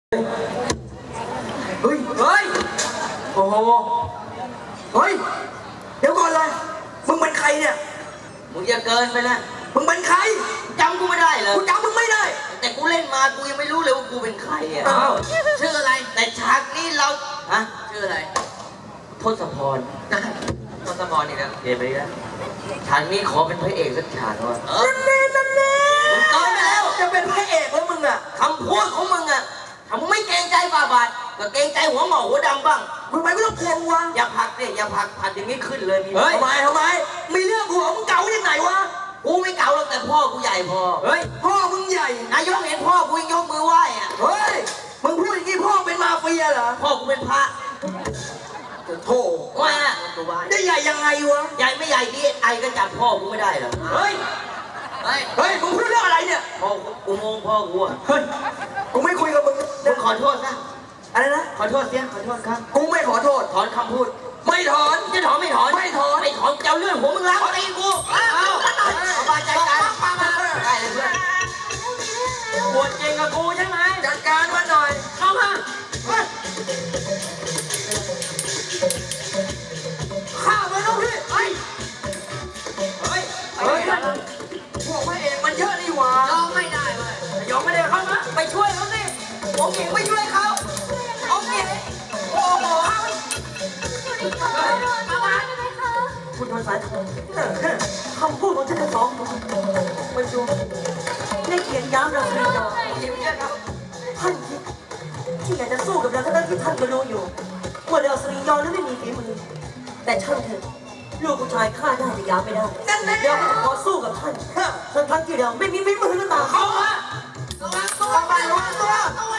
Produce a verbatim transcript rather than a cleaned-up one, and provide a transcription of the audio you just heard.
เฮ้ย เฮ้ย โอ้โห เฮ้ย เดี๋ยวก่อนเลย มึงเป็นใครเนี่ยมึงอย่าเกินไปนะมึงเป็นใครจำกูไม่ได้เหรอกูจำมึงไม่ได้แต่กูเล่นมากูยังไม่รู้เลยว่ากูเป็นใครอ่ะอ้าวชื่ออะไร แต่ฉากนี้เรา ฮะ ชื่ออะไร ทศพรทศพรนี่นะเกมไปแล้วฉากนี้ขอเป็นพระเอกสักฉากว่ะเออนั่นแน่นั่นแน่มึงเกินไปแล้วจะเป็นพระเอกแล้วมึงอ่ะคำพูดของมึงอ่ะถ้ามึงไม่เกรงใจบาบาทก็เกรงใจหัวหงอกหัวดำบ้างมึงไปไม่ต้องกลัววะอย่าผลักเนี่ยอย่าผลักผลักอย่างนี้ขึ้นเลยมีเฮ้ยทำไมทำไม มีเรื่องหัวมึงเก่ายังไงวะกูไม่เก่าหรอกแต่พ่อกูใหญ่พอเฮ้ย พ่อมึงใหญ่นายกเห็นพ่อกูยังยกมือไหว้อ่ะเฮ้ย มึงพูดอย่างนี้พ่อเป็นมาเฟียเหรอพ่อกูเป็นพระโธ่ว่าน่ะได้ใหญ่ยังไงวะใหญ่ไม่ใหญ่ดีไอก็จับพ่อกูไม่ได้หรอกเฮ้ยเฮ้ยเฮ้ย มึงพูดเรื่องอะไรเนี่ยพ่อกูโมงพ่อกูอ่ะเฮ้ย กูไม่คุยกับมึงมึงขอโทษนะอะไรนะขอโทษเสียขอโทษครับกูไม่ขอโทษถอนคำพูดไม่ถอนจะถอนไม่ถอนไม่ถอนไม่ถอนจะเอาเรื่องหัวมึงล้างตีกูเอาเอาบาใจกันได้เลยเพื่อนปวดเก่งกับกูใช่ไหมจัดการมันหน่อยเข้ามาเฮ้ยฆ่ามันน้องพี่เฮ้ยเฮ้ยเฮ้ย พวกพระเอกมันเยอะนี่หว่ายอมไม่ได้เว้ยยอมไม่ได้เข้ามาไปช่วยเขาสิองค์หญิงไปช่วยเขาองค์หญิงโอ้โหคุณทนสายคำพูดของท่านทั้งสองมันดูได้เขียนย้ำเราเลยหญิงเชื่อเขาท่านคิดที่อยากจะสู้กับเราทั้งที่ท่านก็รู้อยู่ว่าเราสรียอนั้นไม่มีฝีมือแต่ช่างเถอะลูกผู้ชายฆ่าได้แต่ยามไม่ได้เราก็ขอสู้กับท่านทั้งทั้งที่เราไม่มีฝีมือหรือเปล่าเข้ามาระวังตัวระวังตัว